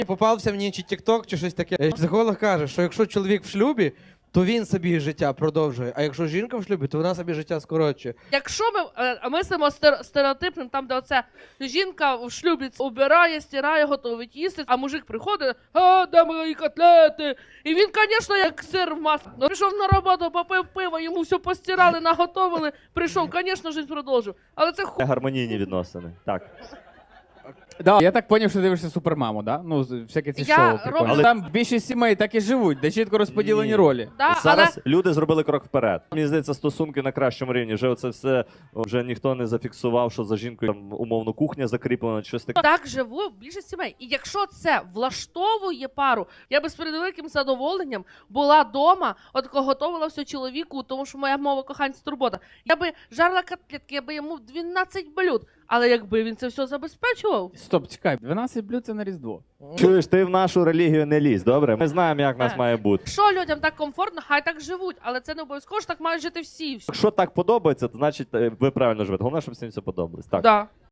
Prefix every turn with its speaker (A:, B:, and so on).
A: Попався мені чи TikTok, чи щось таке. Психолог каже, що якщо чоловік в шлюбі, то він собі життя продовжує, а якщо жінка в шлюбі, то вона собі життя скорочує.
B: Якщо ми мислимо стереотипним, там, де оце жінка в шлюбі убирає, стирає, готовить їсти, а мужик приходить, де мої котлети? І він, звісно, як сир в маслі. Ну, пішов на роботу, попив пиво, йому все постирали, наготовили, прийшов, звісно, життя продовжив. Але це
C: Гармонійні відносини. Так.
D: Да, я так зрозумів, що ти дивишся Супермаму, да? Ну, всякі ці
B: Я
D: шоу. прикольні.
B: роблю-
D: Там більшість сімей так і живуть, де чітко розподілені
C: Ні.
D: ролі.
B: Да,
C: Зараз люди зробили крок вперед. Мені здається, стосунки на кращому рівні. Вже оце все, вже ніхто не зафіксував, що за жінкою там, умовно кухня закріплена, чи щось таке.
B: так живу більшість сімей. І якщо це влаштовує пару, я би з великим задоволенням була вдома, от готувала все чоловіку, тому що моя мова кохання це турбота. Я би жарила котлетки, я би йому 12 блюд. Але якби він це все забезпечував,
D: Стоп, чекай, 12 блюд це на Різдво.
C: Чуєш, ти в нашу релігію не лізь, добре? Ми знаємо, як нас
B: Так.
C: має бути.
B: якщо людям так комфортно, хай так живуть, але це не обов'язково, що так мають жити всі.
C: Якщо так подобається, то значить ви правильно живете. Головне, щоб всім це подобалось. Так.
B: Да.